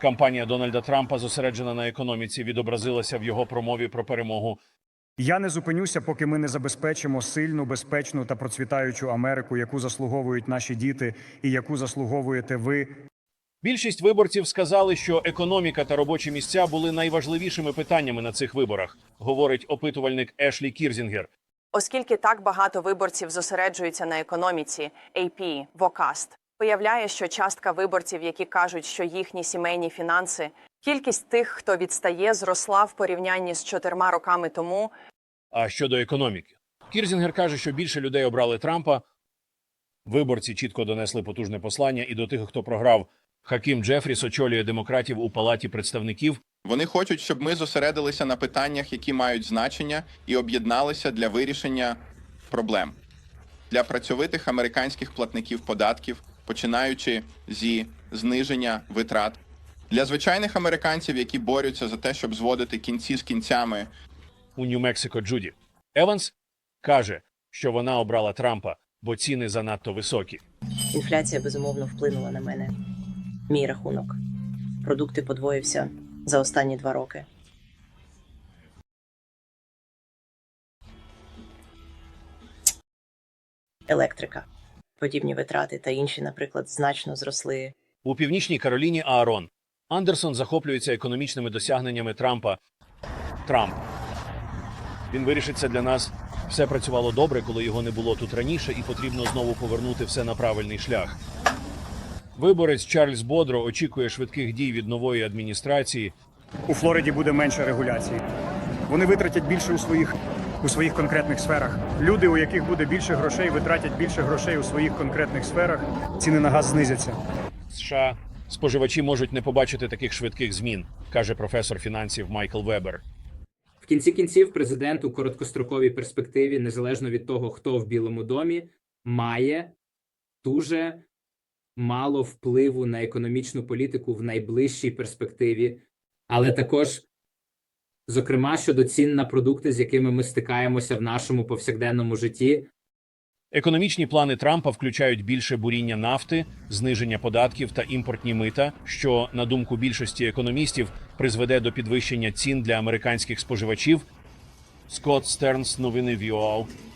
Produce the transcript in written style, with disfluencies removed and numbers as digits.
Кампанія Дональда Трампа, зосереджена на економіці, відобразилася в його промові про перемогу. Я не зупинюся, поки ми не забезпечимо сильну, безпечну та процвітаючу Америку, яку заслуговують наші діти і яку заслуговуєте ви. Більшість виборців сказали, що економіка та робочі місця були найважливішими питаннями на цих виборах, говорить опитувальник Ешлі Кірзінгер. Оскільки так багато виборців зосереджуються на економіці, AP Vocast виявляє, що частка виборців, які кажуть, що їхні сімейні фінанси, кількість тих, хто відстає, зросла в порівнянні з 4 роками тому. А щодо економіки? Кірзінгер каже, що більше людей обрали Трампа. Виборці чітко донесли потужне послання і до тих, хто програв. Хакім Джефріс очолює демократів у Палаті представників. Вони хочуть, щоб ми зосередилися на питаннях, які мають значення, і об'єдналися для вирішення проблем. Для працьовитих американських платників податків, починаючи зі зниження витрат. Для звичайних американців, які борються за те, щоб зводити кінці з кінцями. У Нью-Мексико Джуді Еванс каже, що вона обрала Трампа, бо ціни занадто високі. Інфляція, безумовно, вплинула на мене. Мій рахунок. Продукти подвоївся за останні 2 роки. Електрика. Подібні витрати та інші, наприклад, значно зросли. У Північній Кароліні Аарон Андерсон захоплюється економічними досягненнями Трампа. Трамп. Він вирішить це для нас. Все працювало добре, коли його не було тут раніше, і потрібно знову повернути все на правильний шлях. Виборець Чарльз Бодро очікує швидких дій від нової адміністрації. У Флориді буде менше регуляцій. Вони витратять більше у своїх конкретних сферах. Люди, у яких буде більше грошей, витратять більше грошей у своїх конкретних сферах. Ціни на газ знизяться. США споживачі можуть не побачити таких швидких змін, каже професор фінансів Майкл Вебер. В кінці кінців президент у короткостроковій перспективі, незалежно від того, хто в Білому домі, має дуже мало впливу на економічну політику в найближчій перспективі, але також, зокрема, щодо цін на продукти, з якими ми стикаємося в нашому повсякденному житті. Економічні плани Трампа включають більше буріння нафти, зниження податків та імпортні мита, що, на думку більшості економістів, призведе до підвищення цін для американських споживачів. Скотт Стернс, новини ВІОА.